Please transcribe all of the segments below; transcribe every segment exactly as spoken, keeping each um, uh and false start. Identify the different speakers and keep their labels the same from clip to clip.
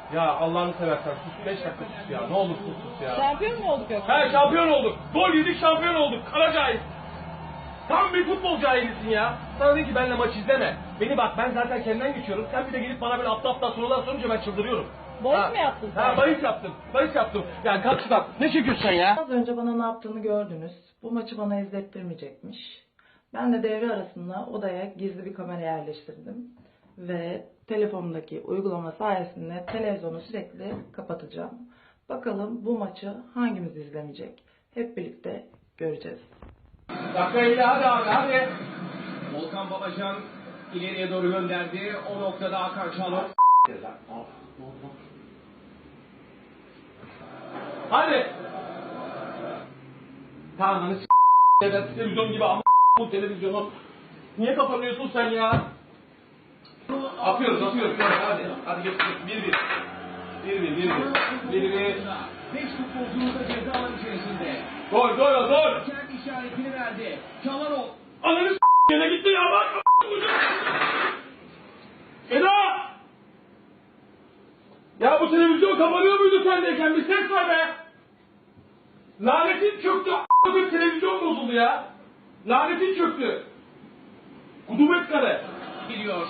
Speaker 1: Ya Allah'ını seversen sus beş dakika sus ya. Ne olursun sus ya.
Speaker 2: Şampiyon mu olduk yoksa?
Speaker 1: He şampiyon olduk. Gol yedik şampiyon olduk. Kara cahil. Tam bir futbol cahilisin ya. Sana dedim ki benimle maç izleme. Beni bak ben zaten kendimden geçiyorum. Sen bir de gelip bana böyle aptal aptal sorular sorunca ben çıldırıyorum.
Speaker 2: Bahis mi yaptın sen?
Speaker 1: Ha bahis yaptım. Bahis yaptım. Yani kalk şuradan. Ne çekiyorsun sen ya?
Speaker 3: Az önce bana ne yaptığını gördünüz. Bu maçı bana izlettirmeyecekmiş. Ben de devre arasında odaya gizli bir kamera yerleştirdim. Ve telefonumdaki uygulama sayesinde televizyonu sürekli kapatacağım. Bakalım bu maçı hangimiz izlemeyecek? Hep birlikte göreceğiz.
Speaker 1: Dakikayla hadi abi hadi.
Speaker 4: Volkan Babacan ileriye doğru gönderdi. O noktada Hakan Çalhanoğlu.
Speaker 1: Hadi. Tamam s*** evet, televizyon gibi ama bu televizyonu. Niye kapanıyorsun sen ya? Atıyoruz atıyoruz hadi. Hadi geç geç. Bir bir. Bir bir bir bir. Bir bir.
Speaker 4: Beş futbolcumuz da ceza alanı içerisinde.
Speaker 1: Gol gol gol.
Speaker 4: Kendi işaretini verdi. Çalhanoğlu.
Speaker 1: Ananı s*** yine gitti ya bak. Eda! Ya bu televizyon kapanıyor muydu sendeyken? Bir ses var be! Lanetin çöktü. A**lık televizyon bozuldu ya. Lanetin çöktü. Kudumet kare.
Speaker 4: Gidiyor.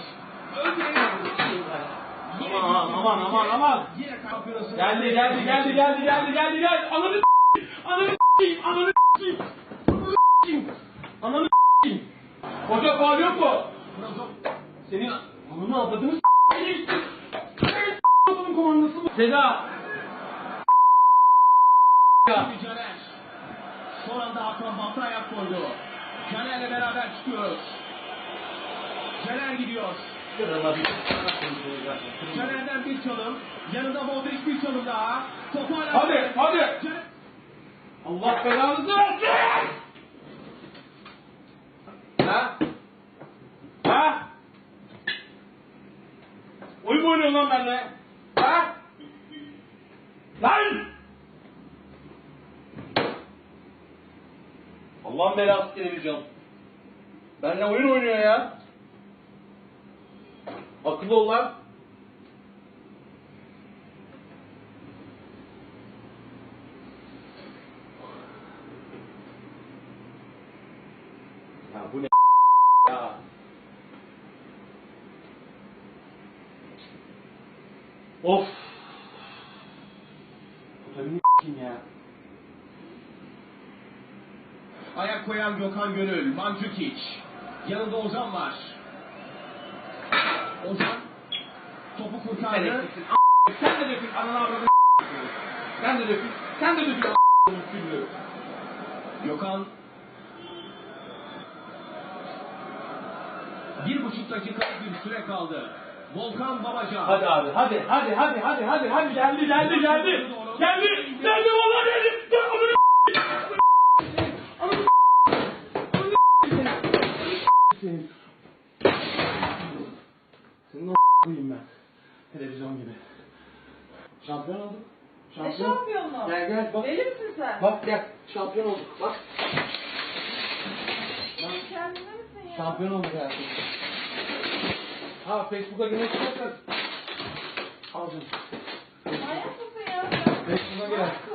Speaker 1: Aman aman aman aman.
Speaker 4: Yine kampiyonası.
Speaker 1: Geldi geldi geldi geldi geldi geldi geldi. Ananı s***yim. Ananı s***yim. Ananı s***yim. Ananı s***yim. Ananı s***yim. Hoca faal yok mu? Senin ananı avladığını s***yim. Senin komandası mı? Seda.
Speaker 4: Caner. Son anda Hakan Batı ayak koydu. Caner'le beraber çıkıyoruz. Caner gidiyor. Caner'den bir çalım. Yanında Modric bir çalım daha. Topu hala...
Speaker 1: Hadi hadi.
Speaker 4: Caner...
Speaker 1: Allah belanızı versin. Ha? Ha? Oyun mu oynuyorsun lan benimle? Ha? Lan! Allah'ın belası televizyon. Benimle oyun oynuyor ya. Akıllı ol lan. Ya bu ne ya? Of. Otelini kim ya?
Speaker 4: Ayak koyan Gökhan Gönül. Mandzukic. Yanında Ozan var. Ozan. Topu
Speaker 1: Sen
Speaker 4: kurtardı.
Speaker 1: eksiksin. Sen de dökün. Ananı avradını Sen de dökün. Sen de dökün.
Speaker 4: Gökhan. Bir buçuk dakika bir süre kaldı. Volkan Babacan.
Speaker 1: Hadi abi hadi hadi hadi hadi hadi hadi geldi geldi geldi. Geldi geldi vallahi geldi. Gel amına Amına Senin Senin o koyayım ben. Televizyon gibi. Şampiyon olduk.
Speaker 2: Ne şampiyonu?
Speaker 1: Gel gel bak.
Speaker 2: Deli misin sen?
Speaker 1: Bak gel. Şampiyon olduk. Bak.
Speaker 2: Kendine misin ya?
Speaker 1: Şampiyon olduk hayatım. Ha Facebook'a girmek istersen. Al canım.
Speaker 2: Manyak mısın ya?
Speaker 1: Facebook'a gir.